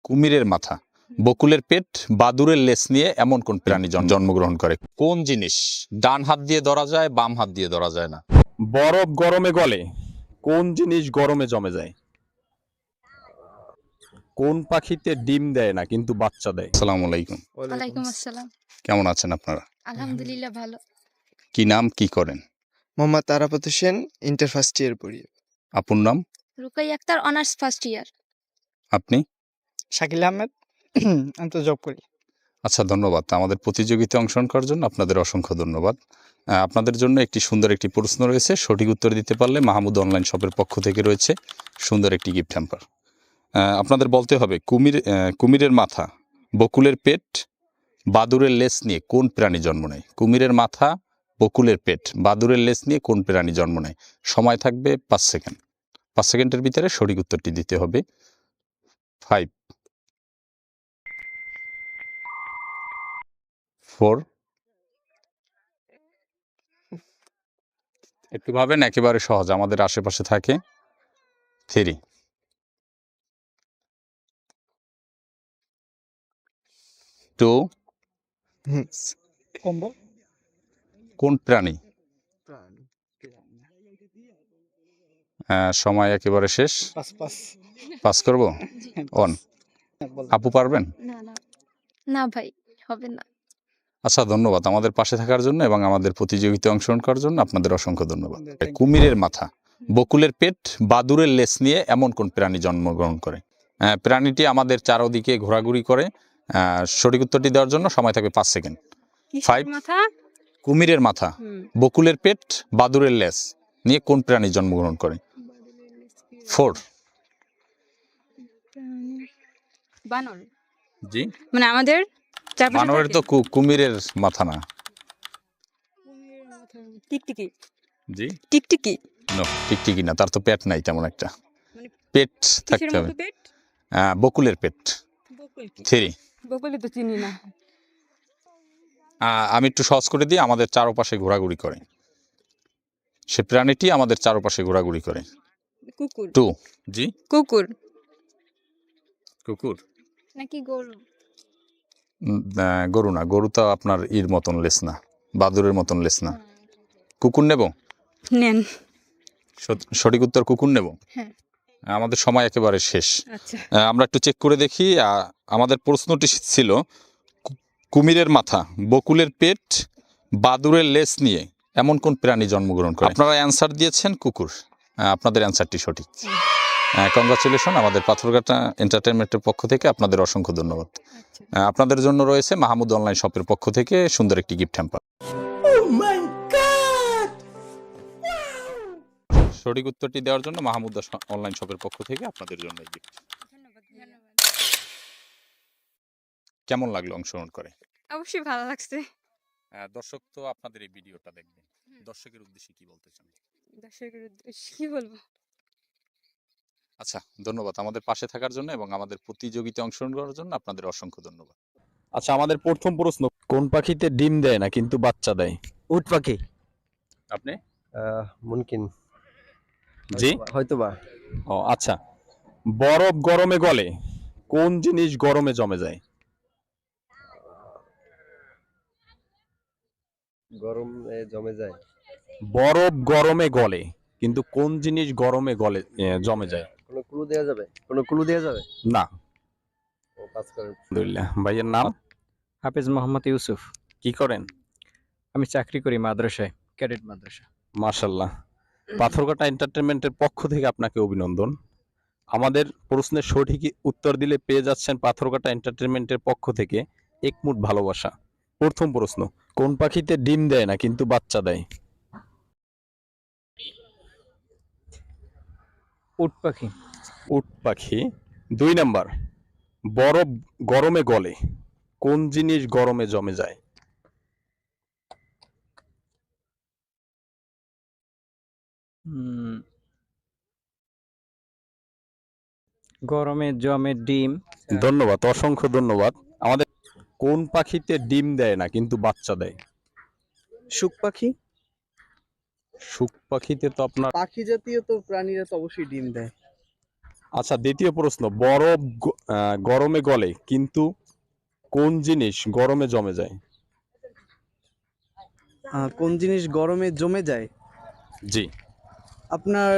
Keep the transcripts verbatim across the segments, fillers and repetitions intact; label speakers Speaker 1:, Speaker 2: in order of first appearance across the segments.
Speaker 1: কুমিরের মাথা, বকুলের পেট, বাদুড়ের লেজ নিয়ে এমন কোন প্রাণী জন্মগ্রহণ করে? কোন জিনিস ডান হাত দিয়ে ধরা যায়, বাম হাত দিয়ে ধরা যায় না?
Speaker 2: বরফ গরমে গলে, কোন জিনিস গরমে জমে যায়? কোন পাখিতে ডিম দেয় না কিন্তু বাচ্চা দেয়?
Speaker 1: আসসালামু আলাইকুম।
Speaker 3: ওয়ালাইকুম আসসালাম।
Speaker 1: কেমন আছেন আপনারা?
Speaker 3: আলহামদুলিল্লাহ ভালো।
Speaker 1: কি নাম, কি করেন?
Speaker 4: Mohammad Tarapat Hossain, inter first year পড়ি।
Speaker 1: আপুর নাম?
Speaker 3: Rukai Akter, honours first year.
Speaker 1: আপনি?
Speaker 5: শাকিল আহমেদ, আমি তো জব করি।
Speaker 1: আচ্ছা, ধন্যবাদ। আমাদের প্রতিযোগিতায় অংশগ্রহণ করার জন্য আপনাদের অসংখ্য ধন্যবাদ। আহ, আপনাদের জন্য একটি সুন্দর একটি প্রশ্ন রয়েছে, সঠিক উত্তর দিতে পারলে মাহমুদ অনলাইন শপের পক্ষ থেকে রয়েছে সুন্দর একটি গিফট হ্যাম্পার। আপনাদের বলতে হবে কুমির আহ, কুমিরের মাথা, বকুলের পেট, বাদুড়ের লেজ নিয়ে কোন প্রাণী জন্ম নেয়? কুমিরের মাথা, বকুলের পেট, বাদুড়ের লেজ নিয়ে কোন প্রাণী জন্ম নেয়? সময় থাকবে পাঁচ সেকেন্ড। পাঁচ সেকেন্ডের ভিতরে সঠিক উত্তরটি দিতে হবে। ফাইভ, ফোর, একটু ভাবেন, একেবারে সহজ, আমাদের আশেপাশে থাকে। থ্রি, টু, কোন প্রাণী? আহ, সময় একেবারে শেষ।
Speaker 5: পাস পাস
Speaker 1: পাস করব। অন। আপু পারবেন?
Speaker 3: না না না ভাই, হবে না।
Speaker 1: আচ্ছা, ধন্যবাদ আমাদের পাশে থাকার জন্য এবং আমাদের প্রতিযোগিতায় অংশগ্রহণ করার জন্য আপনাদের অসংখ্য ধন্যবাদ। কুমিরের মাথা, বকুলের পেট, বাদুড়ের লেজ নিয়ে এমন কোন প্রাণী জন্মগ্রহণ করে? আহ, প্রাণীটি আমাদের চারদিকে ঘোরাঘুরি করে। আহ, সঠিক উত্তরটি দেওয়ার জন্য সময় থাকবে পাঁচ সেকেন্ড। ফাইভ, কুমিরের মাথা, বকুলের পেট, বাদুড়ের লেজ নিয়ে কোন প্রাণী জন্মগ্রহণ করে? ফোর,
Speaker 6: বানর।
Speaker 1: জি,
Speaker 6: মানে আমাদের চারপাশে
Speaker 1: মানবের
Speaker 6: থাকে।
Speaker 1: তো কু- কুমিরের মাথা না।
Speaker 6: টিকটিকি
Speaker 1: জি,
Speaker 6: টিকটিকি
Speaker 1: নো, টিকটিকি না, তার তো পেট নাই তেমন একটা।
Speaker 6: মানে
Speaker 1: পেট
Speaker 6: কিসের
Speaker 1: থাকতে হবে।
Speaker 6: মতো পেট?
Speaker 1: আহ, বকুলের পেট।
Speaker 6: বকুল কি?
Speaker 1: থ্রি,
Speaker 6: বকুলি তো চিনি না।
Speaker 1: আহ, আমি একটু সহজ করে দিই, আমাদের চারপাশে ঘোরাঘুরি করে। সে প্রাণীটি আমাদের চারপাশে ঘোরাঘুরি করে।
Speaker 6: কুকুর।
Speaker 1: টু, জি,
Speaker 6: কুকুর
Speaker 1: কুকুর।
Speaker 3: নাকি গরু?
Speaker 1: উম, আহ, গরু না, গরু তো আপনার ইর মতন লেস না, বাদুরের মতন লেস না। কুকুর নেব?
Speaker 6: নেন।
Speaker 1: সত- সঠিক উত্তর কুকুর নেব।
Speaker 3: হ্যাঁ।
Speaker 1: আমাদের সময় একেবারে শেষ।
Speaker 6: আচ্ছা,
Speaker 1: আহ, আমরা একটু চেক করে দেখি। আহ, আমাদের প্রশ্নটি ছিল কু- কুমিরের মাথা, বকুলের পেট, বাদুরের লেজ নিয়ে এমন কোন প্রাণী জন্মগ্রহণ করে? আপনারা অ্যান্সার দিয়েছেন কুকুর। আহ, আপনাদের অ্যান্সারটি সঠিক। কংগ্রাচুলেশন, আমাদের পাথরঘাটা এন্টারটেনমেন্টের পক্ষ থেকে আপনাদের অসংখ্য ধন্যবাদ।
Speaker 6: আচ্ছা।
Speaker 1: আহ, আপনাদের জন্য রয়েছে মাহমুদ অনলাইন শপের পক্ষ থেকে সুন্দর একটি গিফট হ্যাম্পার। সঠিক উত্তরটি দেওয়ার জন্য মাহমুদ অনলাইন শপের পক্ষ থেকে আপনাদের জন্য এই গিফট।
Speaker 6: ধন্যবাদ ধন্যবাদ।
Speaker 1: কেমন লাগলো অংশগ্রহণ করে?
Speaker 6: অবশ্যই ভালো লাগছে।
Speaker 1: আহ, দর্শক তো আপনাদের এই ভিডিওটা দেখবে, দর্শকের উদ্দেশ্যে কি বলতে চান?
Speaker 6: দর্শকের উদ্দেশ্যে কি বলবো?
Speaker 1: আচ্ছা, ধন্যবাদ আমাদের পাশে থাকার জন্য এবং আমাদের প্রতিযোগিতায় অংশগ্রহণ করার জন্য আপনাদের অসংখ্য ধন্যবাদ।
Speaker 2: আচ্ছা, আমাদের প্রথম প্রশ্ন, কোন পাখিতে ডিম দেয় না কিন্তু বাচ্চা দেয়?
Speaker 7: উট পাখি।
Speaker 1: আপনি?
Speaker 7: আহ, মুমকিন।
Speaker 2: জি,
Speaker 7: হয়তোবা।
Speaker 2: ও আচ্ছা, বরফ গরমে গলে, কোন জিনিস গরমে জমে যায়?
Speaker 7: গরমে জমে যায়।
Speaker 2: বরফ গরমে গলে কিন্তু কোন জিনিস গরমে গলে এ, জমে যায়?
Speaker 7: কোনো ক্লু দেওয়া যাবে? কোনো ক্লু দেওয়া যাবে?
Speaker 2: না।
Speaker 7: ও পাস করেন।
Speaker 2: আলহামদুলিল্লাহ। ভাইয়ের নাম?
Speaker 8: হাফেজ মোহাম্মদ ইউসুফ।
Speaker 2: কি করেন?
Speaker 8: আমি চাকরি করি মাদ্রাসায়, ক্যাডেট মাদ্রাসা।
Speaker 2: মাশাল্লাহ। পাথরঘাটা এন্টারটেনমেন্টের পক্ষ থেকে আপনাকে অভিনন্দন। আমাদের প্রশ্নের সঠিক উত্তর দিলে পেয়ে যাচ্ছেন পাথরঘাটা এন্টারটেনমেন্টের পক্ষ থেকে একমুঠ ভালোবাসা। প্রথম প্রশ্ন, কোন পাখিতে ডিম দেয় না কিন্তু বাচ্চা দেয়?
Speaker 8: উট পাখি।
Speaker 2: উট পাখি। দুই নাম্বার, বরফ গরমে গলে, কোন জিনিস গরমে জমে যায়?
Speaker 8: উম, গরমে জমে ডিম।
Speaker 2: ধন্যবাদ, অসংখ্য ধন্যবাদ। আমাদের কোন পাখিতে ডিম দেয় না কিন্তু বাচ্চা দেয়?
Speaker 4: শুক পাখি।
Speaker 2: শুক পাখিতে তো আপনার
Speaker 4: পাখি জাতীয় তো প্রাণীরা তো অবশ্যই ডিম দেয়।
Speaker 2: আচ্ছা, দ্বিতীয় প্রশ্ন, বরফ গ- আহ, গরমে গলে কিন্তু কোন জিনিস গরমে জমে যায়?
Speaker 9: আহ, কোন জিনিস গরমে জমে যায়?
Speaker 2: জি।
Speaker 9: আপনার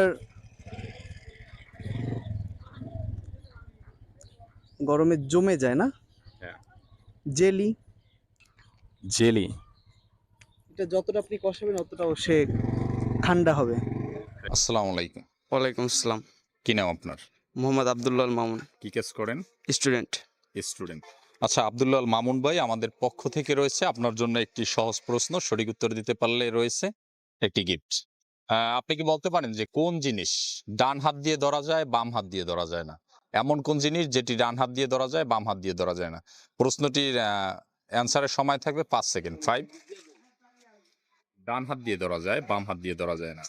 Speaker 9: গরমে জমে যায় না?
Speaker 2: হ্যাঁ।
Speaker 9: জেলি।
Speaker 2: জেলি।
Speaker 9: এটা যতটা আপনি কষাবেন ততটাও সে ঠান্ডা হবে।
Speaker 1: আসসালামু আলাইকুম।
Speaker 4: ওয়ালাইকুম আসসালাম।
Speaker 1: কি নাম আপনার?
Speaker 4: মোহাম্মদ আবদুল্লাহ মামুন,
Speaker 1: কি কাজ করেন?
Speaker 4: স্টুডেন্ট।
Speaker 1: স্টুডেন্ট। আচ্ছা, আব্দুল্লাহ আল মামুন ভাই আমাদের পক্ষ থেকে রয়েছে আপনার জন্য একটি সহজ প্রশ্ন, সঠিক উত্তর দিতে পারলে রয়েছে একটি গিফট। আপনি কি বলতে পারেন যে কোন জিনিস ডান হাত দিয়ে ধরা যায় বাম হাত দিয়ে ধরা যায় না? এমন কোন জিনিস যেটি ডান হাত দিয়ে ধরা যায় বাম হাত দিয়ে ধরা যায় না? প্রশ্নটির অ্যান্সারের সময় থাকবে পাঁচ সেকেন্ড। ফাইভ। ডান হাত দিয়ে ধরা যায় বাম হাত দিয়ে ধরা যায় না।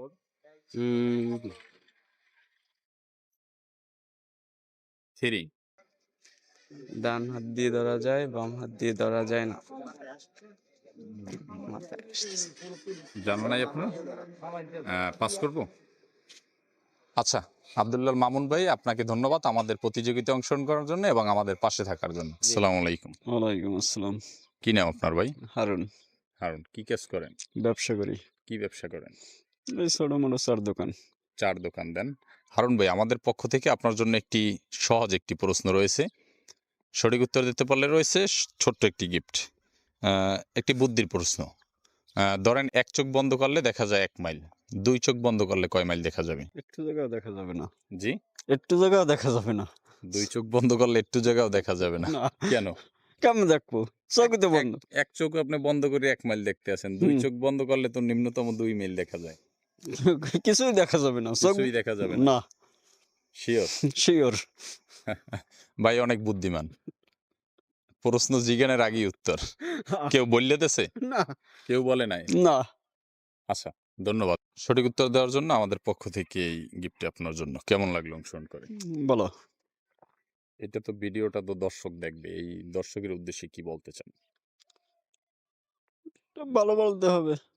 Speaker 1: থ্রি।
Speaker 4: ডান হাত দিয়ে ধরা যায় বাম হাত দিয়ে ধরা যায় না।
Speaker 1: জানা নাই আপনার? পাস করবো। আচ্ছা, আব্দুল্লাহ মামুন ভাই আপনাকে ধন্যবাদ আমাদের প্রতিযোগিতায় অংশগ্রহণ করার জন্য এবং আমাদের পাশে থাকার জন্য। আসসালামু আলাইকুম।
Speaker 10: ওয়ালাইকুম আসসালাম।
Speaker 1: কি নাম আপনার ভাই?
Speaker 10: হারুন।
Speaker 1: হারুন, কি কাজ করেন?
Speaker 10: ব্যবসা করি।
Speaker 1: কি ব্যবসা করেন?
Speaker 10: এই ছোট মোটো চার দোকান।
Speaker 1: চার দোকান দেন। হারুন ভাই, আমাদের পক্ষ থেকে আপনার জন্য একটি সহজ একটি প্রশ্ন রয়েছে, সঠিক উত্তর দিতে পারলে রয়েছে ছোট্ট একটি গিফট। একটি বুদ্ধির প্রশ্ন। আহ, ধরেন এক চোখ বন্ধ করলে দেখা যায় এক মাইল, দুই চোখ বন্ধ করলে কয় মাইল দেখা যাবে?
Speaker 10: একটু জায়গাও দেখা যাবে না।
Speaker 1: জি।
Speaker 10: একটু জায়গাও দেখা যাবে না।
Speaker 1: দুই চোখ বন্ধ করলে একটু জায়গাও দেখা যাবে না?
Speaker 10: না।
Speaker 1: কেন?
Speaker 10: কেমন দেখবো? চোখ তো বন্ধ।
Speaker 1: এক- এক চোখ আপনি বন্ধ করে এক মাইল দেখতে আছেন, দুই
Speaker 10: হুম।
Speaker 1: চোখ বন্ধ করলে তো নিম্নতম দুই মাইল দেখা যায়।
Speaker 10: কিছুই দেখা যাবে না। চোখ
Speaker 1: কিছুই দেখা যাবে না।
Speaker 10: না।
Speaker 1: শিওর?
Speaker 10: শিওর।
Speaker 1: ভাই অনেক বুদ্ধিমান। প্রশ্ন জিজ্ঞানের আগেই উত্তর। কেউ বললে দেছে?
Speaker 10: না।
Speaker 1: কেউ বলে নাই?
Speaker 10: না।
Speaker 1: আচ্ছা, ধন্যবাদ সঠিক উত্তর দেওয়ার জন্য। আমাদের পক্ষ থেকে এই গিফট আপনার জন্য। কেমন লাগলো অংশগ্রহণ করে?
Speaker 10: বলো।
Speaker 1: এটা তো ভিডিওটা তো দর্শক দেখবে, এই দর্শকের উদ্দেশ্যে কি বলতে চান?
Speaker 10: ভালো বলতে হবে।